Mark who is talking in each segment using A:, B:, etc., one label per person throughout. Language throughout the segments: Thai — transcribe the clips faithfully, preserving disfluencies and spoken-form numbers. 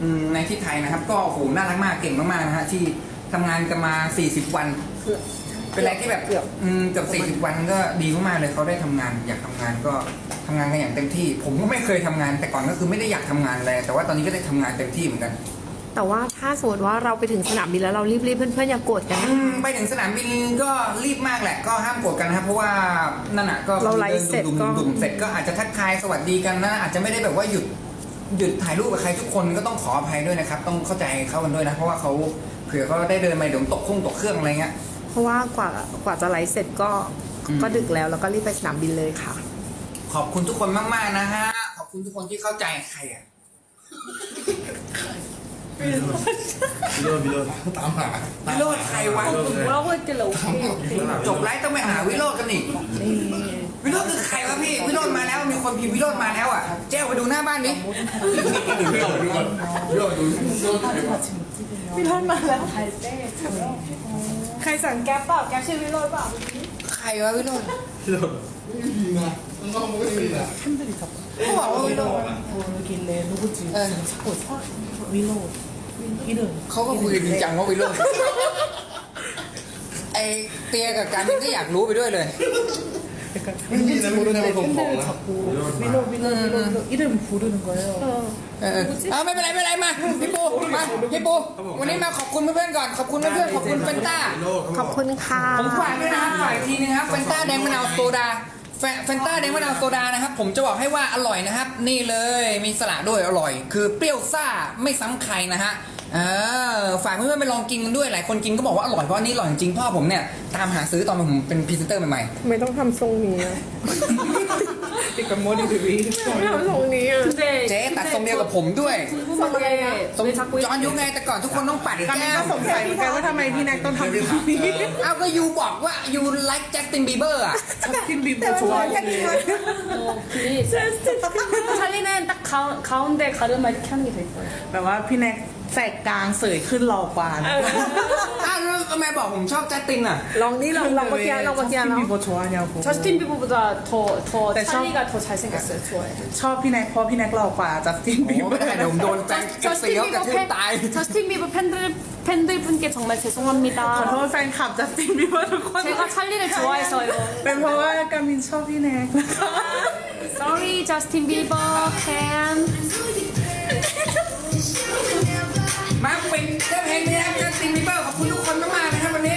A: ในที่ไทยนะครับก็โอ้โหน่ารักมากเก่งมากๆนะฮะที่ทำงานกันมาสี่สิบวันเป็นอะไรที่แบบเกือบเกือบสี่สิบวันก็ดีมากๆเลยเขาได้ทำงานอยากทำงานก็ทำงานกันอย่างเต็มที่ผมก็ไม่เคยทำงานแต่ก่อนก็คือไม่ได้อยากทำงานเลยแต่ว่าตอนนี้ก็ได้ทำงานเต็มที่เหมือนกัน
B: แต่ว่าถ้าสมมติว่าเราไปถึงสนามบินแล้วเรารีบๆเพื่อนๆอย่าโกรธกันนะ
A: ไปถึงสนามบินก็รีบมากแหละก็ห้ามโกรธกันนะครับเพราะว่านั่นน่ะก็
B: เราไลฟ์เสร็จก็
A: ดุ่มๆเสร็จก็อาจจะทักทายสวัสดีกันนะอาจจะไม่ได้แบบว่าหยุดหยุดถ่ายรูปกับใครทุกคนก็ต้องขออภัยด้วยนะครับต้องเข้าใจเขากันด้วยนะเพราะว่าเขาเผื่อเขาได้เดินมาเดี๋ยวตกเครื่องตกเครื่องอะไรเงี้ย
B: เพราะว่ากว่ากว่าจะไลฟ์เสร็จก็ก็ดึกแล้วแล้วก็รีบไปสนามบินเลยค่ะ
A: ขอบคุณทุกคนมากๆนะฮะขอบคุณทุกคนที่เข้าใจใครอะ
C: วิโรจน์วิโรจน์ตามหา
A: วิโรจน์ใครวะจบไลฟ์ต้องไปหาวิโรจน์กันอีกวิโรจน์คือใครวะพี่วิโรจน์มาแล้วมีคนพิมพ์วิโรจน์มาแล้วอ่ะเจ้าไปดูหน้าบ้านนี้
C: วิโรจน์วิโรจน์วิโรจน์ดู
B: วิโรจน์มาแล้วใครสั่งแก๊ปเปล่าแก๊ปชื่อวิโรจน์เปล่า
A: ใครวะวิโรจน์
C: วิโรจน์ไม่มีนะน้องไม่มีนะ
A: เขาบอกว่าวิโรจน์เออ
D: วิโรจน์
A: เขาก็คุยจริงจังว่าวิโรจน์ไอเตียกับการก็อยากรู้ไปด้วยเลย
C: ไม่มีนะไม่ได้มาส่งของนะ
D: วิโรจน์วิโรจน์วิโรจน์이름부르는거예요
A: เออเอาไม่เป็นไรไม่เป็นไรมาพี่ปูมาพี่ปูวันนี้มาขอบคุณเพื่อนๆก่อนขอบคุณเพื่อนๆขอบคุณเฟนต้า
B: ขอบคุณค่ะ
A: ผมฝากด้วยนะฝากอีกทีนึงครับเฟนต้าแดงมะนาวโซดาเฟนต้าแดงมะนาวโซดานะครับผมจะบอกให้ว่าอร่อยนะครับนี่เลยมีสละด้วยอร่อยคือเปรี้ยวซ่าไม่ซ้ำใครนะฮะเออฝากเพื่อนๆไปลองกินกันด้วยหลายคนกินก็บอกว่าอร่อยเพราะอันนี้อร่อยจริงๆพ่อผมเนี่ยตามหาซื้อตอนผมเป็นพรีเซนเตอร์ใหม่
B: ๆไม่ต้องทำทรงนี้
D: ติดกับโมดิทีวี
B: ไม่ทำทรงนี้
A: เจ๊ตัดทรงเดียวกับผมด้วยทรงย้อนยุคไงแต่ก่อนทุกคนต้องปัดแก้ม
D: ก็สงสัยเหมือนกันว่าทำไมพี่แน็กต้องทำแบบนี้
A: เอาก็ยูบอกว่ายูไลค์แจ็คตินบีเบอร์อ่ะ
D: จัสตินบีเบอร์ชัวร์
E: 찰리는 딱 가운데 가르마 이렇게 하는 게 더 예뻐요.
D: แบบว่าพี่แน็กแสกกลางเสยขึ้นรอกว่า
A: อ้าวแล้วทำไมบอกผมชอบแจ็คตินอ่ะ
B: ลองนี่ลองลองเมื่อกี้ลองเมื่อกี้
D: แล้ว
E: 저스틴 비버보다 더 더 찰리가 더 잘생겼어요. 좋아해요.
D: ชอบพี่แน็กเพราะพี่แน็กหล่อกว่าจัสตินบีเบอร์
A: เดี๋ยวผมโดนแฟนกระเซียวกระทืบตาย
E: 저스틴 비버 팬들 팬들 분께 정말 죄송합니다.
D: ขอโทษแฟนคลับจัสตินบีเบอร์ทุกคน
E: 제가 찰리를 좋아해서요.
D: เป็นเพราะว่ากามินชอบพี่แน็ก
E: Sorry, Justin Bieber fan.
A: มาเป็นเรื่องเพลงนี้นะแจ็คตินบีเบอร์ขอบคุณทุกคนมากๆนะครับวันนี้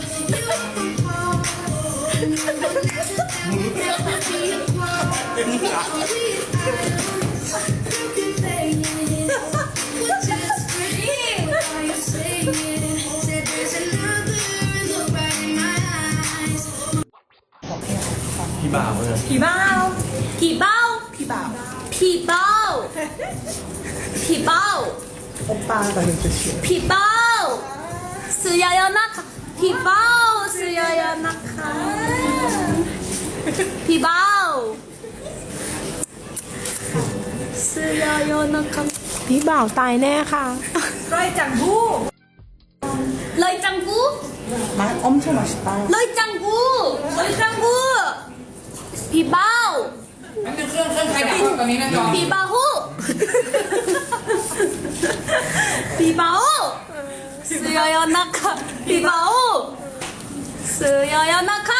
C: พี่บ่าวเลย
E: 皮包皮包
D: พี่บ่าว
E: 皮包皮包
D: โอป้าแต่หนึ่งจะเชียร์
E: 皮包스야야나카皮包스야야나카皮包스야야나카
B: พี่บ่าวตายแน่ค่ะ
E: ร้อยจังกูร้อยจังกู
D: มาอมเท่าไหร่สิป้า
E: ร้อยจังกูร้อยจังกูพี่เบ้า
A: นั่นเป็นเครื่องเครื่องใครดับตอนนี้นะจอ
E: พี่เบ้าฮู้พี่เบ้า스야야나카พี่เบ้า스야야나카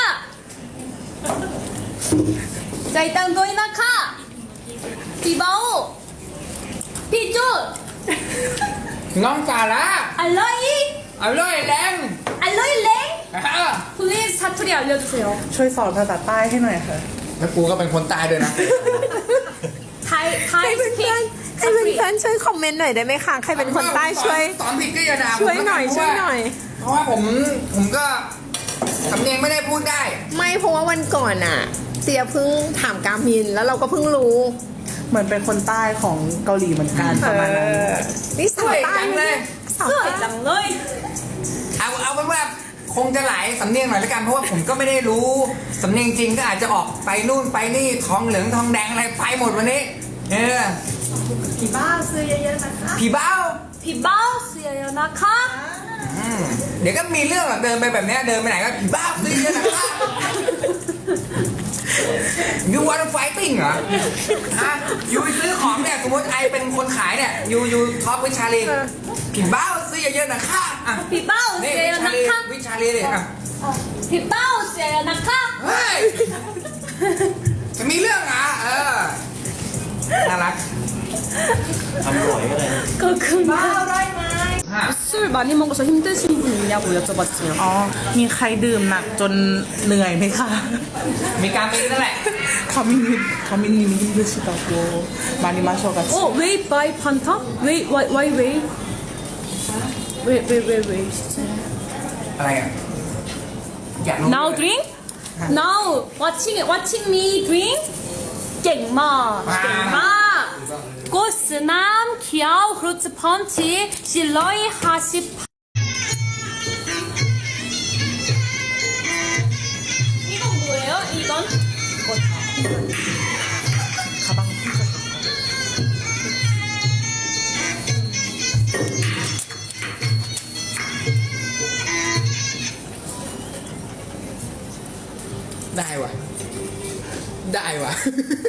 E: ใจตังตัวนาคาพี่เบ้าพี่จุด
A: น้องสาระ
E: อร่อย
A: อร่อยแรง
E: อร่อยเล้ง please 사투리 알려주세요
D: ช่วยสอนภาษาใต้ให้หน่อยค่ะ
A: แล้วกูก็เป็นคนตายด้วยนะ
E: ไทยไทยสปีก
B: ให้เพื่อนๆช่วยคอมเมนต์หน่อยได้ไหมคะใครเป็นคนใต้ช่วย
A: สอนผิดก็อย่าด่า
B: ช่วยหน่อยช่วยหน่อย
A: เพราะว่าผมผมก็สำเนียงไม่ได้พูดได้
B: ไม่เพราะว่าวันก่อนอ่ะเตียเพิ่งถามกามินแล้วเราก็เพิ่งรู้
D: เหมือนเป็นคนใต้ของเกาหลีเหมือนกันประมาณนั้น
B: นี่สวย
A: จังเลย
E: สวยจังเลย
A: เอาเอาเป็นว่าคงจะหลายสำเนียงหน่อยละกันเพราะว่าผมก็ไม่ได้รู้สำเนียงจริงก็อาจจะออกไปนู่นไปนี่ทองเหลืองทองแดงอะไรไปหมดวันนี้เออ
E: ผีบ้าซื้อเยอะๆนะคะ
A: ผีบ้า
E: ผีบ้าซื้อเยอะๆนะคะ
A: เดี๋ยวก็มีเรื่องแบบเดินไปแบบนี้เดินไปไหนก็ผีบ้าซื้อเยอะๆนะคะยูวันไฟติ้งเหรอฮะยูไปซื้อของเนี่ยสมมติไอเป็นคนขายเนี่ยยูยูท็อปวิชาลีพี่เบ้าซื้อเยอะๆนะค่ะอ่ะ
E: 비바오
A: นี่
E: 세요
A: วิชาลี
E: 나카
A: วิชาลีเลยอ่ะ
E: 비바오 세요 나카
A: เฮ้ยจะมีเรื่องเหรอ่ะเออน่ารัก
C: ทำบ่อยก็ได้นะ
E: 그렇구나
A: ฮะ
E: 술 많이 먹어서 힘드신 분 있냐고 여쭤봤어요
D: อ๋อ มีใครดื่มหนักจนเหนื่อยไหมคะ
A: มีการมินนั่นแหละ
D: คามินคามินนี่มีด้วยชิตาโกมานิมาโชกัส
E: 어 웨이 바이 판타 웨이 와이 와이 웨이 웨이 웨이 웨이 웨이
A: อะไรอ่ะอยากรู้
E: now drink now watching watching me drink 깽마 깽마 고스남 키아우 후르츠 펀치 실러이 하십 이건 뭐예요? 이건
D: คาบัง
A: ได้ว่ะ ได้ว่ะ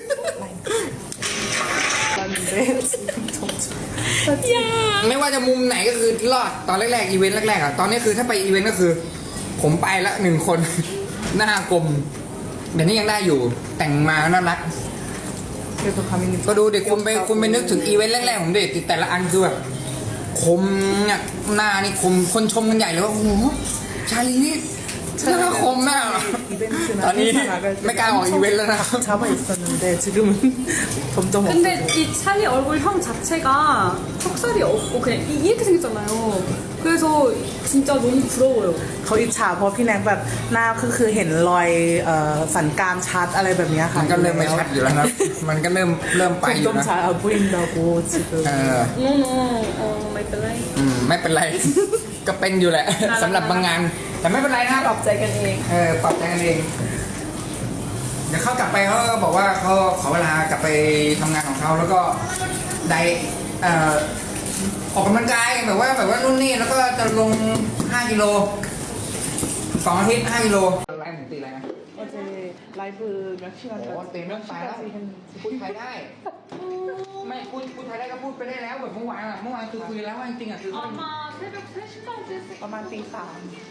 A: ไม่ว่าจะมุมไหนก็คือรอดตอนแรกๆอีเวนต์แรกๆอ่ะตอนนี้คือถ้าไปอีเวนต์ก็คือ ผมไปละหนึ่งคน หน้ากลมเดี๋ยวนี้ยังได้อยู่ แต่งมาน่ารัก
D: เดี๋ยวคามิน
A: ก็ดูเด็กคุณไปคุณไปนึกถึงอีเวนต์แรกๆของเด็กแต่ละอันคือแบบคมเนี่ยหน้านี่คมคนชมกันใหญ่เลยว่าโอ้โหชาลีนี่หน้าคมมากตอนนี้ไม่กล้าออกอีเวนต์แล้วนะครับ
D: ชาบะ있었는데 지금은 점점
E: 근데 이 찰리 얼굴 형 자체가 턱살이 없고 그냥 이- 이렇게 생겼잖아요. 그래서 진짜 너무 부러워요.
D: เขาอิจฉาเพราะพี่แนกแบบหน้าคือคือเห็นรอยเอ่อสันกรามชัดอะไรแบบเนี้ยค่ะ
A: มันก็เริ่มไม่ชัดอยู่แล้วนะ มันก็เริ่มเริ่มไปอยู่
D: ต้น
A: นะ
D: ชาเอาพูดดาโกจิเก
A: เออ
E: No no 어 마이 플라이
A: อืมไม่เป็นไร ก็เป็นอยู่แหละ สำหรับบางงาน แต่ไม่เป็นไรนะครับ
E: ปรับใจกันเอง
A: เออปรับใจกันเอง เดี๋ยวเขากลับไปเขาก็บอกว่าเขาขอเวลากลับไปทำงานของเขาแล้วก็ได้เอ่อออกกำลังกายแบบว่าแบบว่านู่นนี่แล้วก็จะลงห้ากิโลสองอาทิตย์ห้ากิโลไลฟ์ผมตีอะไรนะ
D: 어제 라이브 몇 시간
A: โอ้เต็มเรื่องไปแล้วพูดไทยได้ ไม่พูดพูดไทยได้ก็พูดไปได้แล้วแบบเมื่อวานอะเมื่อวานคือคุยแล้วว่าจริงๆอะคือ
E: 아마 새벽 세 시까지
D: ประมาณตีสาม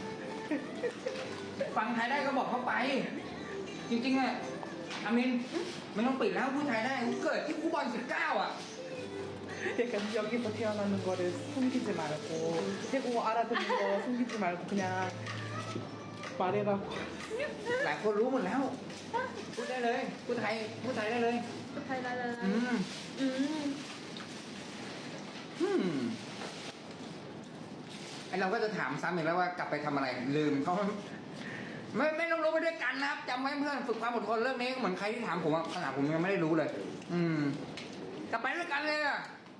A: ฟังไทยได้ก็บอกเขาไป จริงๆอะอามินไม่ต้องปิดแล้วพูดไทยได้กูเกิดที่คูบอลสิบเก้าอะ
D: 약간 여기서 태어나는 거를 숨기지 말고 태국어 알아듣는 거 숨기지 말고 그냥 말해라고
A: หลายคนรู้หมดแล้ว พูดได้เลยพูดไทยพูดไทยได้เลย
E: 달달달
A: อืม
E: 음
A: อืมไอเราก็จะถามซ้ำอีกแล้วว่ากลับไปทำอะไรลืมเขาไม่ไม่ต้องรู้ไปด้วยกันนะครับจำไว้เพื่อนฝึกความอดทนเรื่องนี้เหมือนใครที่ถามผมอะขนาดผมยังไม่ได้รู้เลย อืมกลับไปด้วยกันเลยอะ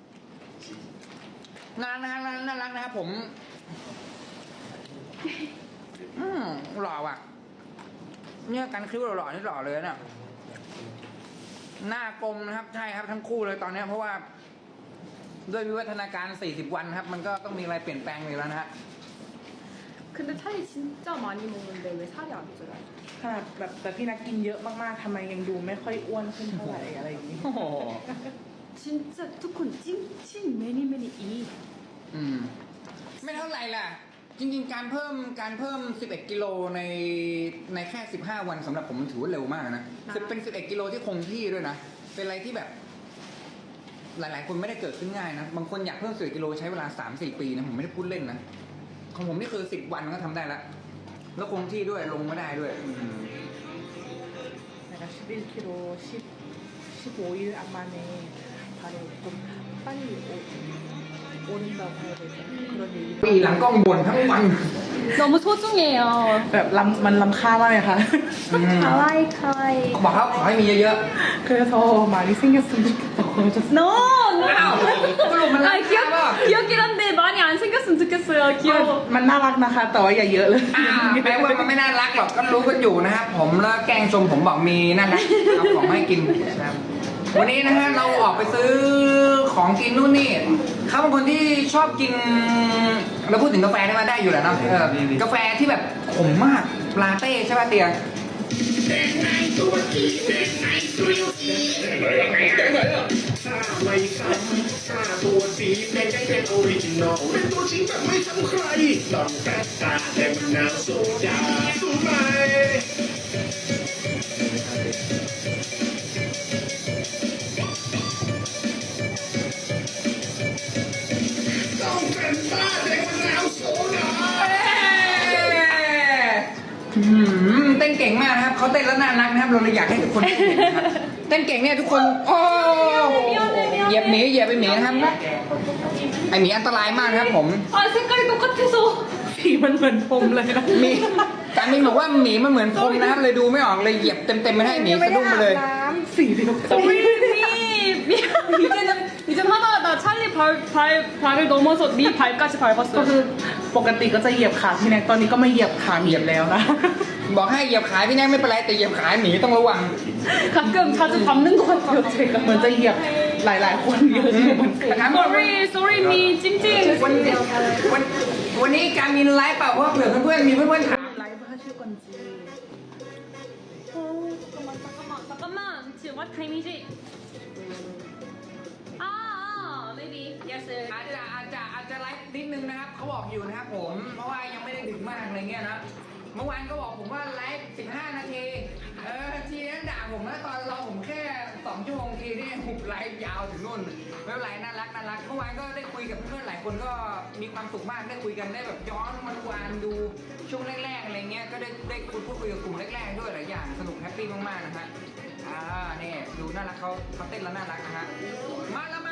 A: น่ารักน่ารักน่ารักนะครับผม อืมหล่อว่ะ เนี่ยกันคิ้วหล่อๆนี่หล่อเลยนะหน้ากลมนะครับใช่ครับทั้งคู่เลยตอนนี้เพราะว่า ด้วยวิวัฒนาการสี่สิบวันครับ มันก็ต้องมีอะไรเปลี่ยนแปลงอยู่แล้วนะฮะ
E: 근데 찰리 진짜 많이 먹는데 왜 살이 안 쪄요?
D: ขนาดแบบแต่พี่นักกินเยอะมากๆทำไมยังดูไม่ค่อยอ้วนขึ้นเท่าไหร่อะไรอย่างนี้
A: โอ้โห
E: 진짜 두콘 찡찡 매니 매니 이
A: อืม ไม่เท่าไหร่ล่ะ จริงๆ การเพิ่มการเพิ่มสิบเอ็ดกิโลในในแค่สิบห้าวันสำหรับผมมันถือว่าเร็วมากนะคือเป็นสิบเอ็ดกิโลที่คงที่ด้วยนะ เป็นอะไรที่แบบ หลายๆ คนไม่ได้เกิดขึ้นง่ายนะ บางคนอยากเพิ่มสิบกิโลใช้เวลาสามสี่ปีนะผมไม่ได้พูดเล่นนะ ของผมนี่คือสิบวันก็ทำได้แล้ว แล้วคงที่ด้วยลงไม่ได้ด้วยอืม
D: 내가 십일 킬로그램 십, 십오 일 만에 발에 좀 빨리 오, 오른다고 해야 되죠. 그런 얘기를
A: ปีหลังกล้องบ่นทั้งวัน
E: 너무 소중해요.
D: แบบลำมันลำค่ามากเลยค่ะ
A: อืม
E: 가와이 가와이
A: บอกเขาขอให้มีเยอะ
D: 그래서 많이 생겼으면 좋겠다고 하셨어요.
E: No no
A: ๆอ้าวสรุปมัน
E: 아
A: รัก
E: 귀엽
A: ป่ะ
E: 귀엽긴 한데 많이 안 생겼으면 좋겠어요. 귀여워.
D: มันน่ารักนะคะ แต่ว่าอย่าเยอะเลย
A: อ่าแปลว่ามันไม่น่ารักหรอกก็รู้กันอยู่นะครับผมแล้วแกล้งชมผมบอกมีน่ารักเอาของมาให้กินนะครับวันนี้นะฮะเราออกไปซื้อของกินนู่นนี่เขาเป็นคนที่ชอบกินเราพูดถึงกาแฟได้มาได้อยู่แหละเนาะเออกาแฟที่แบบขมมากลาเต้ใช่ป่ะเตีย
F: ไม่ซ้ำห้าตัวสีเพลงแค่ออริจินอลเป็นตัวจริงแบบไม่ซ้ำใครลองแฟนตาแดงมะนาวโซดาสูตรใหม่ต้องแฟนตาแดงมะนาวโซดา
A: อื้อหือเต้นเก่งมากนะครับเขาเต้นแล้วน่ารักนะครับเราเลยอยากให้ทุกคนเต้นเก่งนะครับเต้นเก่งเนี่ยทุกคนโอ้เหยียบหมีเหยียบไปหมีนะครับไอหมีอันตรายมากนะครับผม
E: 아 색깔이 똑같아서
B: สีมันเหมือนพรมเลยนะ
A: มีการมินบอกว่าหมีมันเหมือนพรมนะครับเลยดูไม่ออกเลยเหยียบเต็มๆไม่ให้หมีสะดุ้งไปเลย
B: น้ำสีเดียวกัน
E: 미 미안 이제는 이제 하다가 나 찰리 발, 발, 발을 넘어서 미 발까지
B: ก็คือ
E: 밟았어요
B: ปกติก็จะเหยียบขาพี่แน็กตอนนี้ก็ไม่เหยียบขาเหยียบแล้วนะ
A: บอกให้เหยียบขาพี่แน็กไม่เป็นไรแต่เหยียบขาหมีต้องระวัง
E: 가끔 자주 밟는 것 같아요 제가
B: เหมือนจะเหยียบหลายๆ คนเยอะอยู่เหมือนกัน
A: ถามว่าวัน
E: sorry sorry 미 찡찡
A: วันวันวันนี้การมินไลฟ์เปล่าเพราะว่าเผื่อเพื่อนๆมีเพื่อนๆถาม
B: ไลฟ์ให้ชื่อก่อนจี
E: 어 잠깐만 잠깐만 잠깐만 지금 what time 이지 아 maybe yes
A: อาจจะอาจจะอาจจะไลฟ์นิดนึงนะครับเขาบอกอยู่นะครับผมเพราะว่ายังไม่ได้ดึกมากอะไรเงี้ยนะเมื่อวานก็บอกผมว่าไลฟ์สิบห้านาทีเออทีนั้นด่าผมนะตอนเราผมแค่สองชั่วโมงทีนี่หุบไลฟ์ยาวถึงนู่นไม่เป็นไรน่ารักน่ารักเมื่อวานก็ได้คุยกับเพื่อนๆหลายคนก็มีความสุขมากได้คุยกันได้แบบย้อนวันวานดูช่วงแรกๆอะไรเงี้ยก็ได้ได้คุยพูดคุยกับกลุ่มแรกๆด้วยหลายอย่างสนุกแฮปปี้มากๆนะฮะอ่าเนี่ยดูน่ารักเขาเขาเต้นแล้วน่ารักนะฮะมาแล้วมา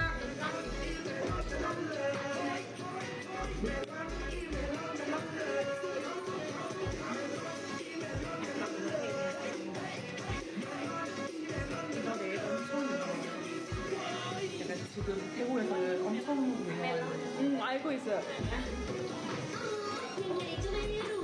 B: 약간 지금 태국에서는 엄청 유명한
E: 음 알고 있어요